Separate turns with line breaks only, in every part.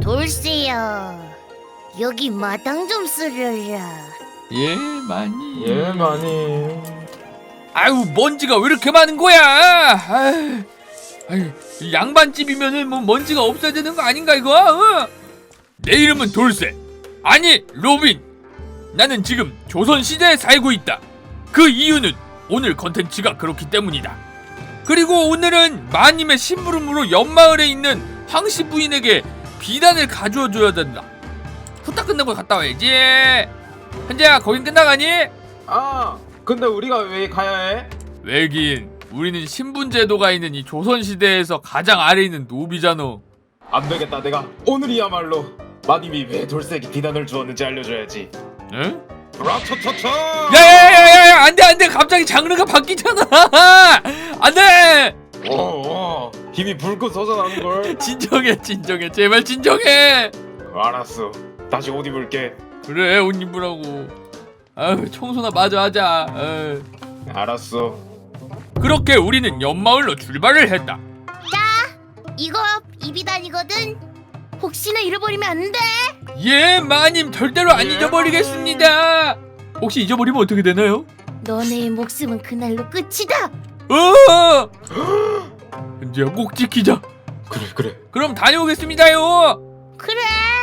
돌쇠야, 여기 마당 좀 쓸려라.
예, 많이.
예, 많이.
아유, 먼지가 왜 이렇게 많은 거야? 아유, 이 양반집이면은 뭐 먼지가 없어야 되는 거 아닌가 이거? 어? 내 이름은 돌쇠. 아니, 로빈. 나는 지금 조선시대에 살고 있다. 그 이유는 오늘 컨텐츠가 그렇기 때문이다. 그리고 오늘은 마님의 심부름으로 옆마을에 있는 황씨 부인에게 비단을 가져와 줘야 된다. 후딱 끝나고 갔다 와야지. 현재야, 거긴 끝나가니?
아, 근데 우리가 왜 가야 해?
왜긴, 우리는 신분제도가 있는 이 조선시대에서 가장 아래에 있는 노비잖아.
안 되겠다. 내가 오늘이야말로 마님이 왜 돌쇠에게 비단을 주었는지 알려줘야지.
응?
라차차차!
야야야야야, 안돼, 갑자기 장르가 바뀌잖아. 안돼.
힘이 불끈 솟아나는걸.
진정해, 제발 진정해.
알았어. 다시 옷 입을게.
그래, 옷 입으라고. 아유, 청소나 마저 하자. 아유.
알았어.
그렇게 우리는 옆마을로 출발을 했다.
이거 이비단이거든. 혹시나 잃어버리면 안 돼.
예, 마님, 절대로 안
예,
잊어버리겠습니다. 혹시 잊어버리면 어떻게 되나요?
너네의 목숨은 그날로 끝이다.
어! 현재야, 꼭 지키자.
그래.
그럼 다녀오겠습니다요.
그래.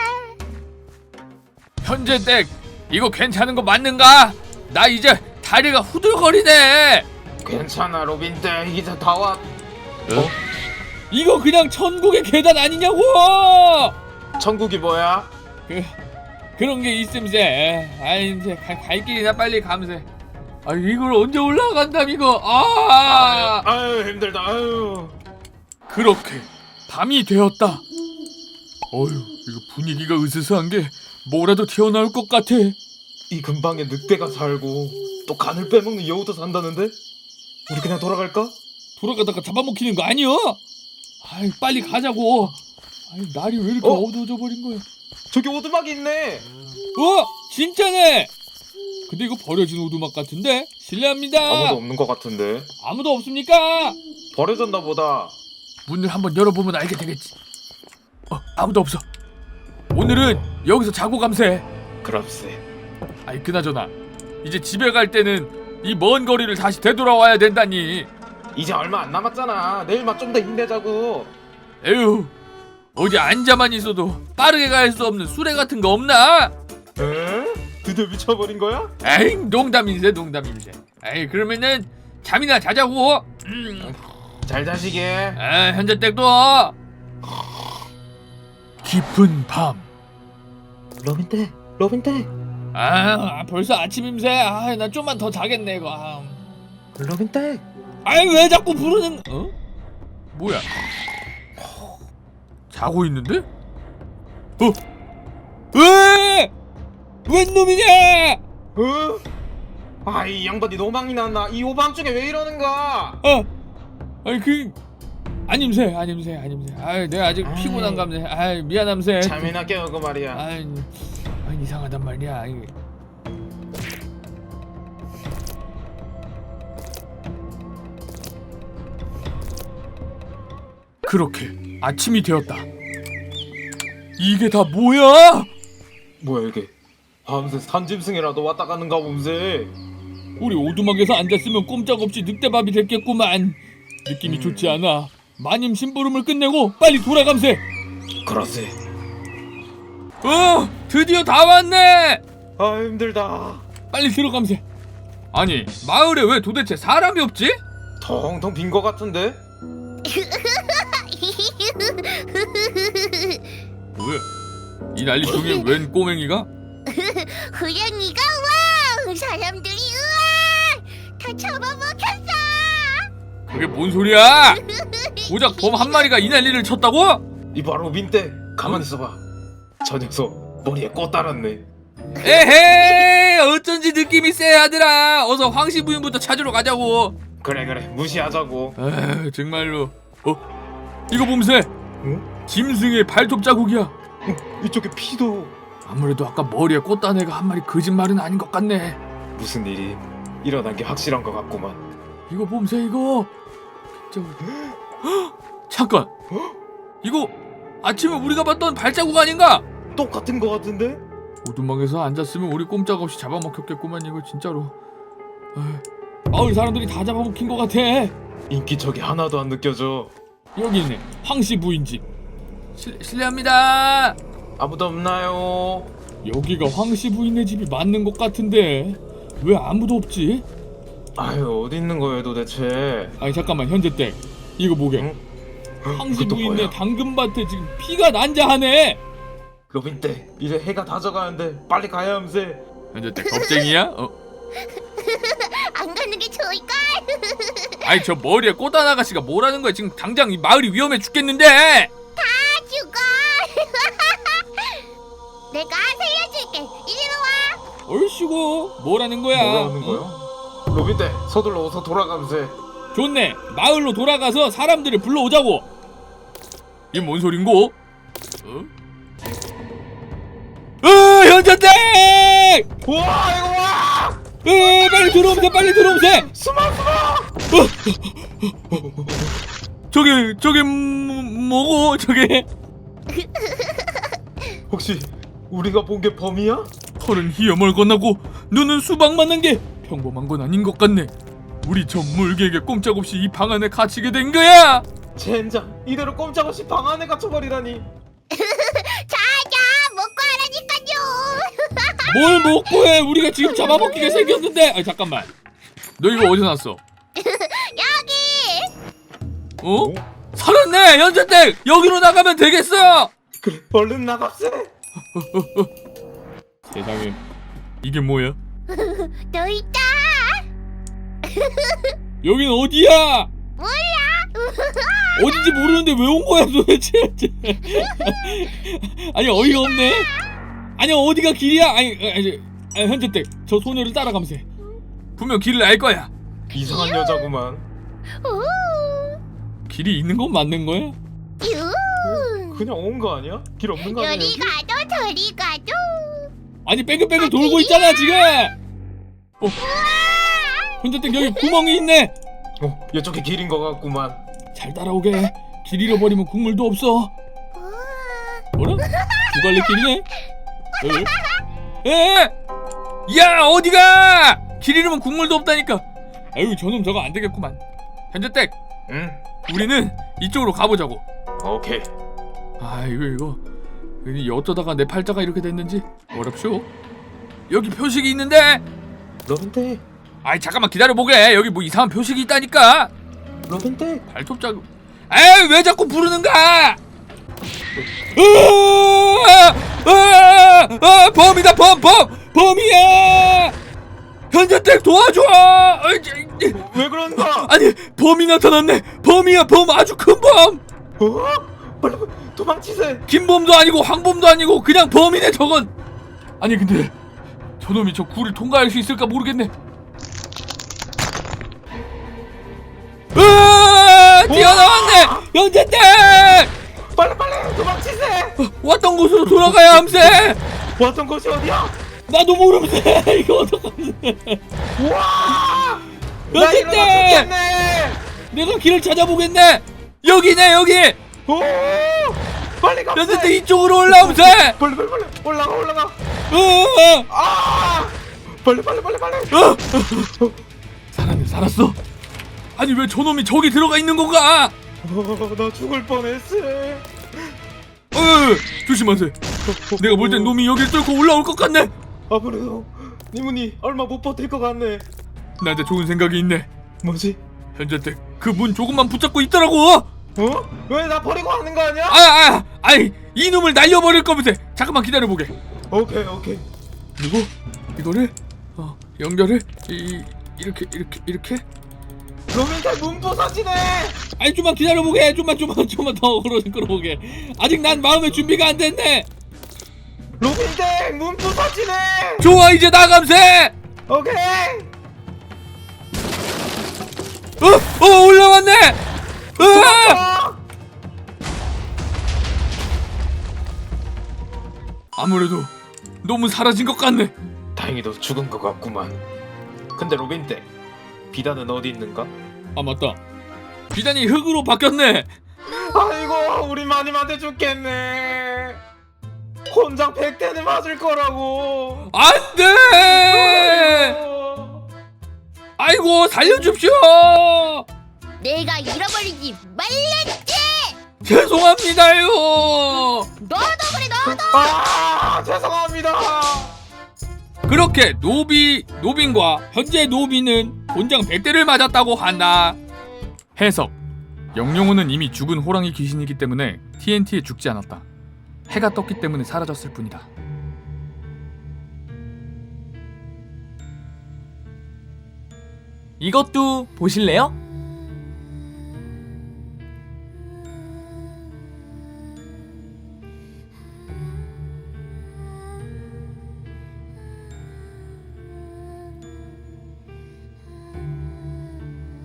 현재 댁, 이거 괜찮은 거 맞는가? 나 이제 다리가 후들거리네.
괜찮아, 로빈 때 이제 다 왔.
이거 그냥 천국의 계단 아니냐고.
천국이 뭐야?
그런 게 있음세. 아이, 이제 갈 길이나 빨리 감세. 아, 이걸 언제 올라간담 이거.
아유, 힘들다. 아유.
그렇게 밤이 되었다. 어휴, 이거 분위기가 으스스한 게 뭐라도 튀어나올 것 같아.
이 근방에 늑대가 살고 또 간을 빼먹는 여우도 산다는데? 우리 그냥 돌아갈까?
돌아가다가 잡아먹히는 거 아니여? 아이, 빨리 가자고. 아이, 날이 왜 이렇게 어두워져 버린 거야?
저기 오두막이 있네.
진짜네. 근데 이거 버려진 오두막 같은데? 실례합니다.
아무도 없는 것 같은데.
아무도 없습니까?
버려졌나 보다.
문을 한번 열어보면 알게 되겠지. 아무도 없어. 오늘은 여기서 자고 감세.
그럼세.
아이, 그나저나 이제 집에 갈 때는 이 먼 거리를 다시 되돌아와야 된다니.
이제 얼마 안 남았잖아. 내일만 좀 더 힘내자고.
에휴, 어디 앉아만 있어도 빠르게 갈 수 없는 수레 같은 거 없나?
에? 드디어 미쳐버린 거야?
에이, 농담인데. 에이, 그러면은 잠이나 자자고.
잘 자시게.
현재 댁도. 깊은 밤.
로빈 때.
벌써 아침임새. 나 좀만 더 자겠네 이거.
로빈 때.
왜 자꾸 부르는? 뭐야? 자고 있는데? 웬 놈이냐?
이 양반이 노망이 났나? 이 오밤중에 왜 이러는가?
아님새. 내가 아직 피곤한 감새. 미안함새.
잠이나 깨우고 말이야.
이상하단 말이야. 그렇게 아침이 되었다. 이게 다 뭐야?
뭐야 이게? 밤새 산짐승이라도 왔다 가는가 봄새.
우리 오두막에서 앉았으면 꼼짝없이 늑대밥이 됐겠구만. 느낌이 좋지 않아. 마님 심부름을 끝내고 빨리 돌아감세.
그러세.
드디어 다 왔네.
힘들다.
빨리 들어감세. 아니, 마을에 왜 도대체 사람이 없지?
텅텅 빈 거 같은데?
뭐야? 이 난리 중에 웬 꼬맹이가?
고양이가 와. 사람들이 우와 다 잡아먹혔어.
그게 뭔 소리야? 고작 범 한 마리가 이 난리를 쳤다고?
이 바로 민때 가만히 있어봐. 저 녀석 머리에 꽃 달았네.
에헤이, 어쩐지 느낌이 쎄하더라. 어서 황씨 부인부터 찾으러 가자고.
그래 무시하자고.
정말로. 이거 봄새.
응?
짐승의 발톱 자국이야.
이쪽에 피도.
아무래도 아까 머리에 꽃 단 애가 한 마리 거짓말은 아닌 것 같네.
무슨 일이 일어난 게 확실한 것 같구만.
이거 봄새 이거. 잠깐. 이거 아침에 우리가 봤던 발자국 아닌가?
똑같은 거 같은데?
오두막에서 앉았으면 우리 꼼짝없이 잡아먹혔겠구만 이거 진짜로. 마을 사람들이 다 잡아먹힌 것 같아.
인기척이 하나도 안 느껴져.
여기 있네. 황씨 부인 집. 실례합니다.
아무도 없나요?
여기가 황씨 부인네 집이 맞는 것 같은데 왜 아무도 없지?
아유, 어디 있는 거예요 도대체?
아니 잠깐만 현재댁 이거 보게.
응?
황씨
그것도
부인네
뭐야?
당근밭에 지금 피가 난자하네.
로빈 때 이제 해가 다 져가는데 빨리 가야 함세.
현재댁 겁쟁이야?
안 가는 게 좋을까?
아니 저 머리에 꽃단 아가씨가 뭐라는 거야. 지금 당장 이 마을이 위험해 죽겠는데.
다 죽어. 내가 살려줄게. 이리로 와.
얼씨구 뭐라는 거야?
뭐라는 거야? 로빈 때 서둘러 어서 돌아감세.
좋네. 마을로 돌아가서 사람들을 불러오자고. 이게 뭔 소린고? 현재댁!
우와 이거 와!
빨리 들어오세요. 빨리 들어오세요.
숨어!
저게 뭐고 저게?
혹시 우리가 본 게 범이야?
털은 희염을 건너고 눈은 수박 맞는 게 평범한 건 아닌 것 같네. 우리 저 물개에게 꼼짝없이 이 방 안에 갇히게 된 거야.
젠장 이대로 꼼짝없이 방 안에 갇혀버리다니.
자자 먹고 하라니까요.
뭘 먹고 해? 우리가 지금 잡아먹히게 생겼는데. 아니 잠깐만. 너 이거 어디서 났어?
여기.
어? 살았네. 현재댁 여기로 나가면 되겠어.
그래 얼른 나갑세.
세상에 이게 뭐야?
너 있다.
여긴 어디야?
몰라.
어딘지 모르는데 왜 온 거야 도대체? 아니 어이가 없네. 아니 어디가 길이야? 아니 현재댁 저 소녀를 따라가면서 분명 길을 알 거야.
이상한 여자구만.
우.
길이 있는 건 맞는 거야?
유.
그냥 온 거 아니야? 길 없는 거 아니야?
여리
여기?
가도 저리 가도.
아니 뺑글뺑글 돌고 있잖아 지금. 현재댁 여기 구멍이 있네.
이쪽이 길인 거 같구만.
잘 따라오게. 길 잃어버리면 국물도 없어. 뭐라? 두 갈래 길이네? 야 어디가? 길 잃으면 국물도 없다니까. 아유 저놈 저거 안 되겠구만. 현재댁
응?
우리는 이쪽으로 가보자고.
오케이.
아 이거 어쩌다가 내 팔자가 이렇게 됐는지 어렵쇼. 여기 표식이 있는데.
로빈
아이 잠깐만 기다려보게. 여기 뭐 이상한 표식이 있다니까.
로빈
발톱 자국. 에이 왜 자꾸 부르는가? 범이다 범이야. 현재댁 도와줘.
왜 그러는 거야?
아니 범이 나타났네. 범이야 범. 아주 큰 범.
빨리 도망치세.
김범도 아니고 황범도 아니고 그냥 범이네 저건. 아니 근데 저놈이 저 굴을 통과할 수 있을까 모르겠네. 뛰어나왔네. 현재댁
빨리 도망치세.
왔던 곳으로 돌아가야 함세.
왔던 곳이 어디야?
나도 모르면서 이거 어떡하지?
우와! 나
현재댁
이러다 죽겠네.
내가 길을 찾아보겠네. 여기네 여기.
오! 빨리 가.
현재댁 이쪽으로 올라오세.
빨리 올라가. 아! 빨리.
살았어. 아니 왜 저놈이 저기 들어가 있는 건가?
나 죽을 뻔했어.
조심하세요. 내가 볼 땐 놈이 여길 뚫고 올라올 것 같네.
아무래도 니문이 얼마 못 버틸 것 같네.
나한테 좋은 생각이 있네.
뭐지?
현재댁 그 문 조금만 붙잡고 있더라고.
왜 나 버리고 하는 거 아니야?
아이 이놈을 날려버릴 거면서. 잠깐만 기다려보게.
오케이.
그리고 이거를 연결을 이렇게
로빈탈 문 부서지네.
아니 좀만 기다려보게. 좀만 더 끌어보게. 아직 난 마음의 준비가 안 됐네.
로빈탈 문 부서지네.
좋아 이제 나감세.
오케이.
올라왔네. 아무래도 너무 사라진 것 같네.
다행히도 죽은 것 같구만. 근데 로빈떼 비단은 어디 있는가?
아 맞다. 비단이 흙으로 바뀌었네.
아이고 우리 마님한테 죽겠네. 곤장 100대는 맞을 거라고.
안돼.
아이고.
아이고 살려줍시오.
내가 잃어버리지 말랬지.
죄송합니다요.
너도 그래 너도.
아 죄송합니다.
그렇게 노빈과 현재 노비는 곤장 100대를 맞았다고 한다. 해석: 영영호는 이미 죽은 호랑이 귀신이기 때문에 TNT에 죽지 않았다. 해가 떴기 때문에 사라졌을 뿐이다.
이것도 보실래요?